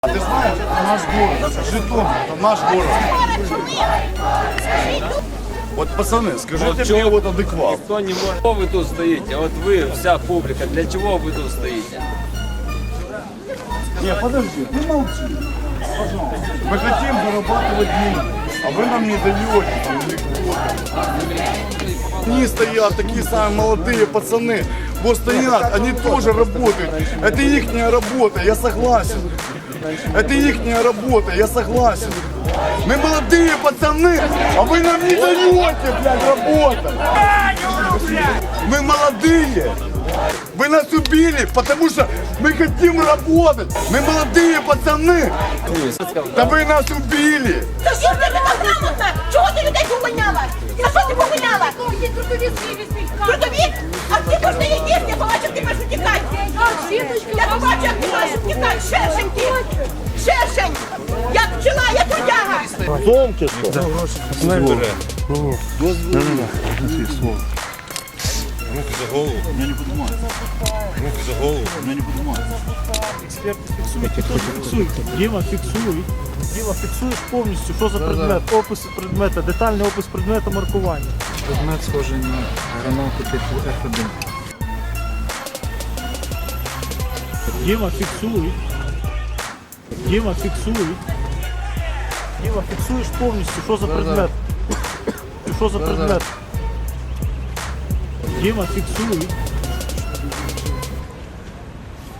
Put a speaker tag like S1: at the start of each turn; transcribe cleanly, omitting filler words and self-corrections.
S1: А ты знаешь, это наш город, Житомир, это наш город. Вот, пацаны, скажите мне вот адекват.
S2: Кто не может. Чего вы тут стоите? Вот вы, вся публика, для чего вы тут стоите?
S1: Не, подожди, ты молчи. Пожалуйста. Мы хотим зарабатывать деньги, а вы нам не даете. Там, они стоят, такие самые молодые пацаны. Вот стоят, они тоже работают. Это их работа, я согласен. Это их работа, я согласен. Мы молодые пацаны, а вы нам не даете, блядь, работать. Мы молодые. Вы нас убили, потому что мы хотим работать. Мы молодые пацаны. Да вы нас убили.
S3: Та що ж ти така грамотна? Чого ти людей повиняла? За що ти повиняла? Трудовік? А ти можна її їсти, я побачив, ти маєш утікати. Я побачив, як ти маєш утікати. Шершень ти. Шершень. Я пчела, я трудяга.
S4: Зомки що?
S5: Руки за голову. Я не поднимаю. Руки за голову. Я не поднимаю.
S4: Експерти фіксують. Діма фіксує. Діма фіксуєш повністю, що за предмет, опис предмета, детальний опис предмета, маркування.
S6: Предмет схожий на гранату типу F1.
S4: Діма фіксує. Діма фіксує. Діма фіксуєш повністю, що за предмет. Що за предмет. Діма фіксує.